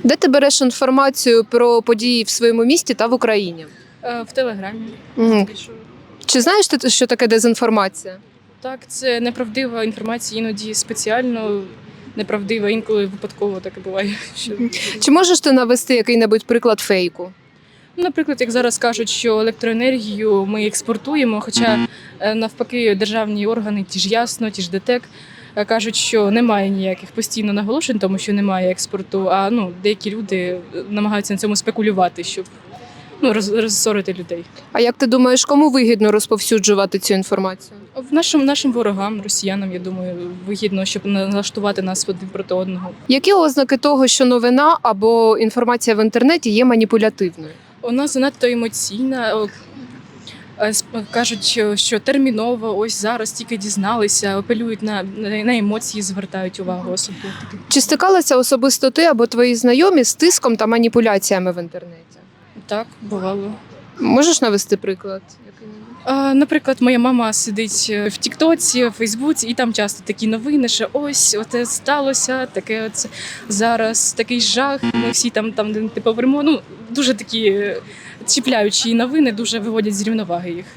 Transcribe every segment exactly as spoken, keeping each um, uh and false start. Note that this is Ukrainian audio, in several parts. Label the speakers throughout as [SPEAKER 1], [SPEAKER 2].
[SPEAKER 1] Де ти береш інформацію про події в своєму місті та в Україні?
[SPEAKER 2] Е, В Телеграмі.
[SPEAKER 1] Мгм.
[SPEAKER 2] Більшою.
[SPEAKER 1] Чи знаєш ти, що таке дезінформація?
[SPEAKER 2] Так, це неправдива інформація, іноді спеціально неправдива, інколи випадково таке буває. Що...
[SPEAKER 1] Чи можеш ти навести який-небудь приклад фейку?
[SPEAKER 2] Ну, наприклад, як зараз кажуть, що електроенергію ми експортуємо, хоча е, навпаки державні органи, ті ж Ясно, ті ж ДТЕК, е, кажуть, що немає ніяких постійно наголошень, тому що немає експорту, а ну, деякі люди е, намагаються на цьому спекулювати, щоб ну, роз, розсорити людей.
[SPEAKER 1] А як ти думаєш, кому вигідно розповсюджувати цю інформацію?
[SPEAKER 2] В нашим, нашим ворогам, росіянам, я думаю, вигідно, щоб налаштувати нас один проти одного.
[SPEAKER 1] Які ознаки того, що новина або інформація в інтернеті є маніпулятивною?
[SPEAKER 2] Вона занадто емоційна. о, е, сп- Кажуть, що- що терміново, ось зараз тільки дізналися, апелюють на, на на емоції, звертають увагу особливо.
[SPEAKER 1] Чи стикалася особисто ти або твої знайомі з тиском та маніпуляціями в інтернеті?
[SPEAKER 2] Так, бувало.
[SPEAKER 1] Можеш навести приклад? який-небудь?
[SPEAKER 2] А, наприклад, моя мама сидить е, в Тіктоці, в Фейсбуці, і там часто такі новини, що ось оце сталося, таке оце зараз такий жах. Ми всі там там де ти повермо. Ну дуже такі е, чіпляючі новини, дуже виводять з рівноваги їх.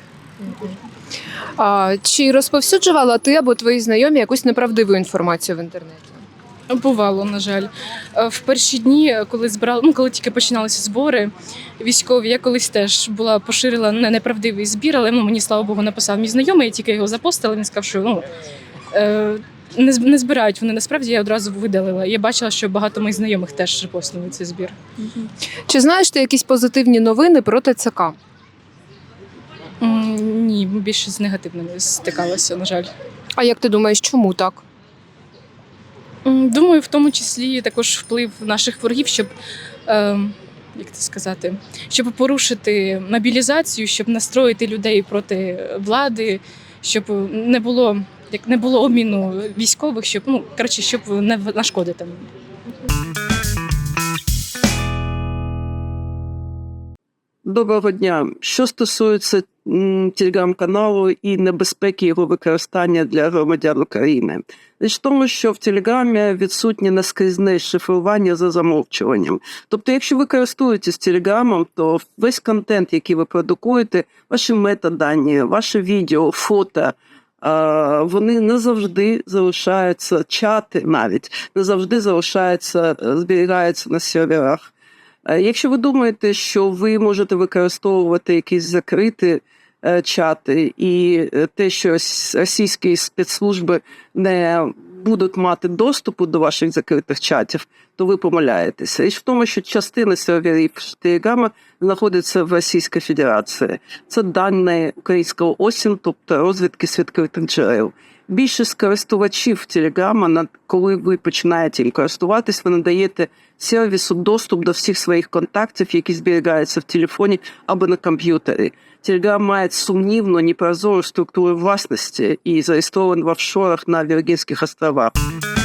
[SPEAKER 1] А, чи розповсюджувала ти або твої знайомі якусь неправдиву інформацію в інтернеті?
[SPEAKER 2] Бувало, на жаль. Е, В перші дні, коли збирали, ну коли тільки починалися збори військові, я колись теж була поширила не- неправдивий збір, але ну, мені, слава Богу, написав мій знайомий, я тільки його запостила, він сказав, що ну, е, не, з- не збирають вони насправді, я одразу видалила. Я бачила, що багато моїх знайомих теж репостнули цей збір.
[SPEAKER 1] Чи знаєш ти якісь позитивні новини про ТЦК?
[SPEAKER 2] М, Ні, більше з негативними стикалася, на жаль.
[SPEAKER 1] А як ти думаєш, чому так?
[SPEAKER 2] М, Думаю, в тому числі також вплив наших ворогів, щоб, е, як це сказати, щоб порушити мобілізацію, щоб настроїти людей проти влади, щоб не було, як не було обміну військових, щоб ну коротше, щоб не в- нашкодити.
[SPEAKER 3] Доброго дня. Що стосується м, телеграм-каналу і небезпеки його використання для громадян України. Річ в тому, що в Телеграмі відсутнє наскрізне шифрування за замовчуванням. Тобто, якщо ви користуєтесь Телеграмом, то весь контент, який ви продукуєте, ваші метадані, ваше відео, фото, а, вони не завжди залишаються, чати навіть, не завжди залишаються, е, зберігаються на серверах. Е, Якщо ви думаєте, що ви можете використовувати якісь закриті е, чати і е, те, що рос- російські спецслужби не будуть мати доступу до ваших закритих чатів, то ви помиляєтеся. Річ в тому, що частина серверів Телеграма знаходиться в Російській Федерації. Це дані українського ОСІН, тобто розвідки з відкритих джерел. Більшість користувачів Телеграма, коли ви починаєте їм користуватись, ви надаєте сервісу доступ до всіх своїх контактів, які зберігаються в телефоні або на комп'ютері. Телеграм має сумнівну, непрозору структуру власності і зареєстрований в офшорах на Віргінських островах.